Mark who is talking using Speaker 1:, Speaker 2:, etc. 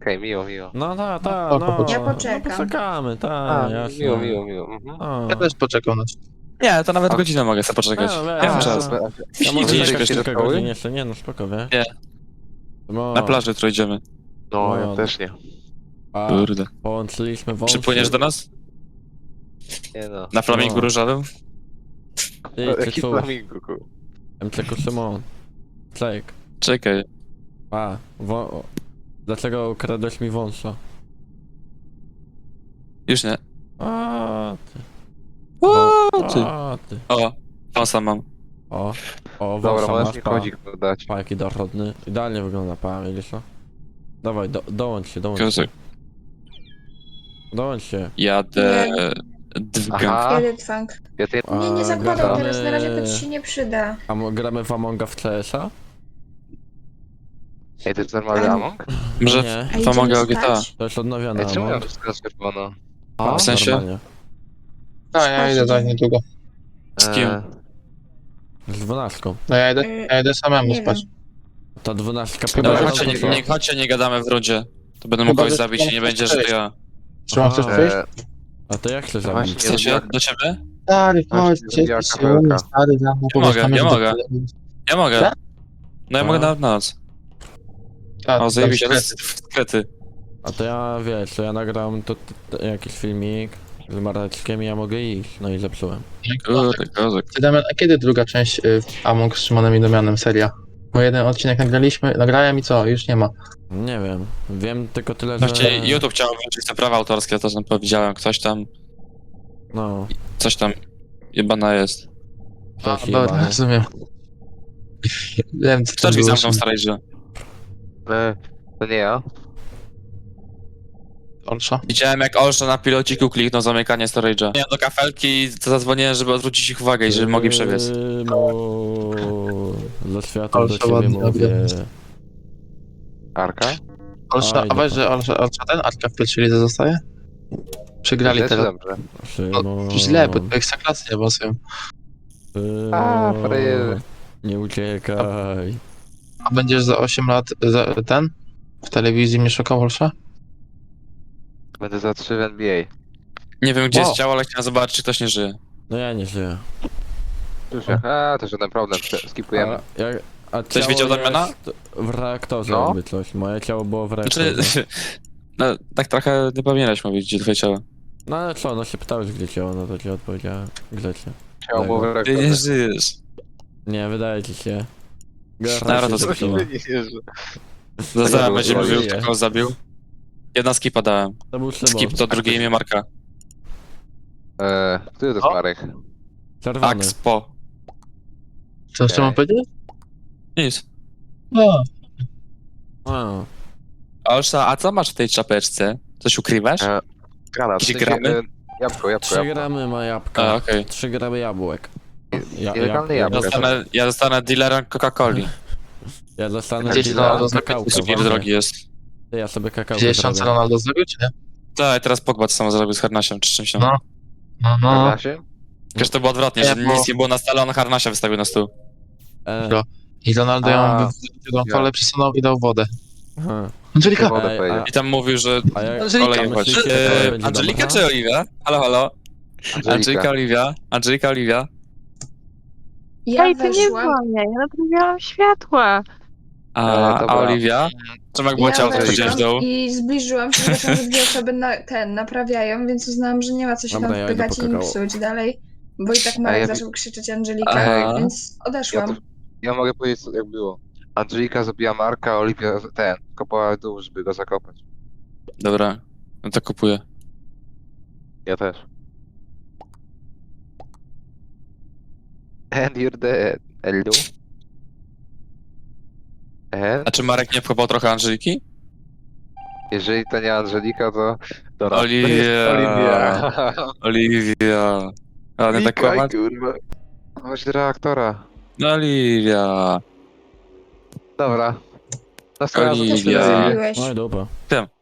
Speaker 1: Okej, miło, miło.
Speaker 2: No,
Speaker 3: Ja
Speaker 2: No,
Speaker 3: poczekam.
Speaker 2: poczekamy, jasne.
Speaker 1: Miło. Mhm.
Speaker 2: O.
Speaker 4: Ja też poczekam na to.
Speaker 5: Nie, to nawet
Speaker 1: A-
Speaker 5: godzinę mogę sobie poczekać.
Speaker 2: No,
Speaker 5: Ja mam
Speaker 2: weź,
Speaker 5: czas.
Speaker 2: no. Ja
Speaker 5: Idzie
Speaker 2: może
Speaker 5: nie
Speaker 2: czekać
Speaker 5: śpiesz
Speaker 2: kilka
Speaker 1: do szkoły?
Speaker 2: godzin jeszcze, nie no, spoko, wie?
Speaker 5: Nie.
Speaker 2: No,
Speaker 5: Na plaży jutro idziemy.
Speaker 1: No,
Speaker 2: No.
Speaker 1: ja też nie.
Speaker 2: a
Speaker 5: Kurde.
Speaker 2: połączyliśmy wąsy.
Speaker 5: Przypłyniesz do nas?
Speaker 1: Nie no.
Speaker 5: Na flamingu
Speaker 2: No.
Speaker 5: różowym?
Speaker 2: Ty,
Speaker 1: Jaki
Speaker 2: Cycu,
Speaker 1: flamingo, ku.
Speaker 2: MCK Szymon. Czek.
Speaker 5: Czekaj.
Speaker 2: Dlaczego ukradłeś mi wąsa?
Speaker 5: Już nie.
Speaker 2: A ty.
Speaker 5: Ty.
Speaker 2: A ty.
Speaker 5: O, wąsa mam.
Speaker 2: O,
Speaker 1: Dobra,
Speaker 2: wąsa
Speaker 1: możesz
Speaker 2: masz,
Speaker 1: mi
Speaker 2: pa.
Speaker 1: kodzik dać.
Speaker 2: Pa, jaki dorodny. Idealnie wygląda, pa, widzisz to? Dawaj, dołącz się.
Speaker 5: Kozak.
Speaker 2: Dołącz się.
Speaker 5: Jadę...
Speaker 1: Aha.
Speaker 3: Kiedy funk?
Speaker 1: Ja ty...
Speaker 3: Nie, nie zakładam
Speaker 2: gadamy-
Speaker 3: teraz, na razie to ci się nie przyda.
Speaker 2: Gramy w Amonga w CS-a?
Speaker 1: Ej, to jest normalny Among?
Speaker 5: Może
Speaker 2: Nie.
Speaker 3: A
Speaker 5: to mogę
Speaker 3: idziemy
Speaker 5: o GTA.
Speaker 3: spać?
Speaker 2: To jest odnowiony
Speaker 1: Ej, czemu ja
Speaker 2: Among.
Speaker 1: wszystko czerwono?
Speaker 2: A,
Speaker 5: w sensie?
Speaker 2: normalnie.
Speaker 4: No, ja idę za niedługo.
Speaker 5: Z kim?
Speaker 2: Z 12.
Speaker 4: No ja idę samemu
Speaker 3: Nie
Speaker 4: spać.
Speaker 3: wiem.
Speaker 2: Ta 12
Speaker 5: Dobra,
Speaker 2: chyba-
Speaker 5: chodźcie, nie gadamy w rundzie. To będę mógł
Speaker 4: Chyba,
Speaker 5: kogoś
Speaker 4: że
Speaker 5: zabić i nie będzie, że to ja.
Speaker 4: Trzymam
Speaker 2: Aha.
Speaker 4: chcesz przyjść?
Speaker 2: A to jak chcesz
Speaker 1: No
Speaker 2: zabić?
Speaker 1: właśnie.
Speaker 5: W sensie, do ciebie?
Speaker 4: Stary, chodź,
Speaker 1: Właśnie, zrobiła
Speaker 4: cieszę się,
Speaker 1: kafelka.
Speaker 4: stary, za mną,
Speaker 5: Ja mogę,
Speaker 4: powiedz,
Speaker 5: ja
Speaker 4: tam
Speaker 5: mogę.
Speaker 4: jest-
Speaker 5: Ja mogę.
Speaker 4: Tak?
Speaker 5: No ja
Speaker 2: A.
Speaker 5: mogę nawet na noc.
Speaker 4: Tak,
Speaker 5: O, zajebiście,
Speaker 4: tam
Speaker 5: to
Speaker 4: się-
Speaker 5: jest skrety.
Speaker 2: A to ja, wiesz, to ja nagram jakiś filmik z Mareczkiem i ja mogę iść. No i zepsułem.
Speaker 5: Kurde, kozak.
Speaker 4: Ty, Damian, a kiedy druga część Among z Szymonem i Damianem, seria? Bo jeden odcinek nagrałem i co? Już nie ma.
Speaker 2: Nie wiem. Wiem tylko tyle, że...
Speaker 5: Właściwie YouTube chciał włączyć te prawa autorskie, to tam powiedziałem,
Speaker 2: No,
Speaker 5: coś tam jebana jest.
Speaker 2: coś
Speaker 4: Dobra,
Speaker 2: jebany.
Speaker 4: rozumiem. Wiem, co
Speaker 5: Kto
Speaker 4: to
Speaker 5: drzwi
Speaker 4: było.
Speaker 5: zamknął w starej grze?
Speaker 1: To nie ja.
Speaker 4: Olsza?
Speaker 5: Widziałem jak Olsza na pilociku kliknął zamykanie storage'a. Ja do kafelki i zadzwoniłem, żeby odwrócić ich uwagę i żeby mogli przebiec.
Speaker 2: Za światło do
Speaker 4: Ale
Speaker 2: ciebie
Speaker 4: ładnie
Speaker 2: mówię.
Speaker 4: robię.
Speaker 1: Arka?
Speaker 4: Olsza,
Speaker 2: Oj,
Speaker 4: a weź, że Olsza ten Arka w pierwszej lidze zostaje? Przegrali
Speaker 1: Źle czy
Speaker 4: teraz.
Speaker 1: dobrze?
Speaker 2: Szymon,
Speaker 4: Źle, bo to ekstraklasy nie basują.
Speaker 2: Szymon,
Speaker 1: A, frajer.
Speaker 2: nie uciekaj.
Speaker 4: A będziesz za 8 lat ten? W telewizji mnie szukał Olsza?
Speaker 1: Będę za 3 w NBA.
Speaker 5: Nie wiem gdzie
Speaker 4: Wow.
Speaker 5: jest ciało, ale chciałem zobaczyć czy ktoś nie żyje.
Speaker 2: No ja nie żyję.
Speaker 1: Już jak? To żaden problem, skipujemy.
Speaker 2: A
Speaker 5: Ktoś
Speaker 2: ciało
Speaker 5: widział Damiana?
Speaker 2: jest w reaktorze
Speaker 1: No.
Speaker 2: jakby coś. Moje ciało było w reaktorze.
Speaker 5: Znaczy, no tak trochę nie powinieneś mówić gdzie twoje ciało.
Speaker 2: No ale co, no się pytałeś gdzie ciało, no to ci odpowiedziałem grzecznie.
Speaker 1: Chciał mu w
Speaker 5: Ty nie żyjesz.
Speaker 2: Nie, wydaje ci się.
Speaker 5: Nara, to
Speaker 2: się
Speaker 5: coś
Speaker 2: zepsuła.
Speaker 5: Zaraz
Speaker 1: było
Speaker 5: będzie
Speaker 1: zło.
Speaker 5: mówił kto kogo zabił. Jedna skipa dałem.
Speaker 2: To był Szymon.
Speaker 5: Skip to drugie imię Marka.
Speaker 1: Który to jest
Speaker 4: O.
Speaker 1: Marek?
Speaker 2: Czerwony.
Speaker 5: Axpo.
Speaker 4: Co jeszcze mam powiedzieć?
Speaker 5: Nic.
Speaker 4: No.
Speaker 2: A,
Speaker 5: Olsza, a co masz w tej czapeczce? Coś ukrywasz?
Speaker 1: Granat.
Speaker 5: Jakieś gramy?
Speaker 1: Jabłko.
Speaker 2: 3 gramy ma jabłka.
Speaker 5: A, okej.
Speaker 2: 3 gramy jabłek.
Speaker 1: Nielegalne
Speaker 5: Ja
Speaker 1: jabłko.
Speaker 5: zostanę dealerem Coca-Coli.
Speaker 2: Ja dostanę
Speaker 4: Gdzieś
Speaker 2: dealera
Speaker 4: Ronaldo
Speaker 2: kakałka.
Speaker 5: Super
Speaker 2: właśnie.
Speaker 5: drogi jest.
Speaker 2: Ja sobie kakałkę
Speaker 4: Widziałeś
Speaker 2: zrobię.
Speaker 4: co Ronaldo zrobił, czy nie?
Speaker 5: Tak, teraz Pogba to samo zrobił z Harnasiem czy czymś tam.
Speaker 4: No. No.
Speaker 1: Zgadza się?
Speaker 5: Przecież to było odwrotnie,
Speaker 4: Nie,
Speaker 5: że
Speaker 4: bo-
Speaker 5: nic nie było na stole, on Harnasia wystawił na stół.
Speaker 2: E,
Speaker 4: I Ronaldo ją
Speaker 1: A.
Speaker 4: wyciągnął kole, przesunął i dał wodę.
Speaker 2: aha.
Speaker 4: Angelika!
Speaker 1: Wodę
Speaker 2: Ej,
Speaker 1: powiedział.
Speaker 5: I tam mówił, że
Speaker 2: A jak
Speaker 4: Angelika,
Speaker 5: kolej chodź.
Speaker 2: myślicie, że kolej będzie
Speaker 5: Angelika
Speaker 2: dobra?
Speaker 5: czy Oliwia? Halo, halo. Angelika, Oliwia. Angelika, Oliwia.
Speaker 3: Ja
Speaker 6: Ej, to nie
Speaker 3: weszłam.
Speaker 6: dzwonię, ja naprawiałam światła.
Speaker 5: A
Speaker 1: dobra.
Speaker 5: Oliwia? Czym jak było ciało, to chodziłeś w dół?
Speaker 3: I zbliżyłam się, zobaczyłam, że dwie osoby naprawiają, więc uznałam, że nie ma co się
Speaker 2: Dobra,
Speaker 3: tam
Speaker 2: ja idę
Speaker 3: wpychać
Speaker 2: po
Speaker 3: i im
Speaker 2: kakao.
Speaker 3: psuć dalej. Bo i tak
Speaker 1: A
Speaker 3: Marek
Speaker 1: ja-
Speaker 3: zaczął krzyczeć Angelika,
Speaker 5: Aha.
Speaker 3: więc odeszłam.
Speaker 1: Ja mogę powiedzieć co- jak było. Angelika zabiła Marka, Oliwia kopała w dół, żeby go zakopać.
Speaker 5: Dobra, no to kupuję.
Speaker 1: Ja też. And you're dead. Hello? And
Speaker 5: A czy Marek nie wkopał trochę Angeliki?
Speaker 1: jeżeli to nie Angelika, to... Dobra.
Speaker 5: Oliwia.
Speaker 1: To jest Oliwia.
Speaker 5: Oliwia. A nie tak
Speaker 1: Mikołaj,
Speaker 5: kłamać?
Speaker 1: kurwa. Chodź do reaktora.
Speaker 5: No Oliwia.
Speaker 1: Dobra. Następnym razem
Speaker 5: Oliwia.
Speaker 1: też
Speaker 3: Zrobiłeś.
Speaker 2: No i dupa.
Speaker 5: Wiem.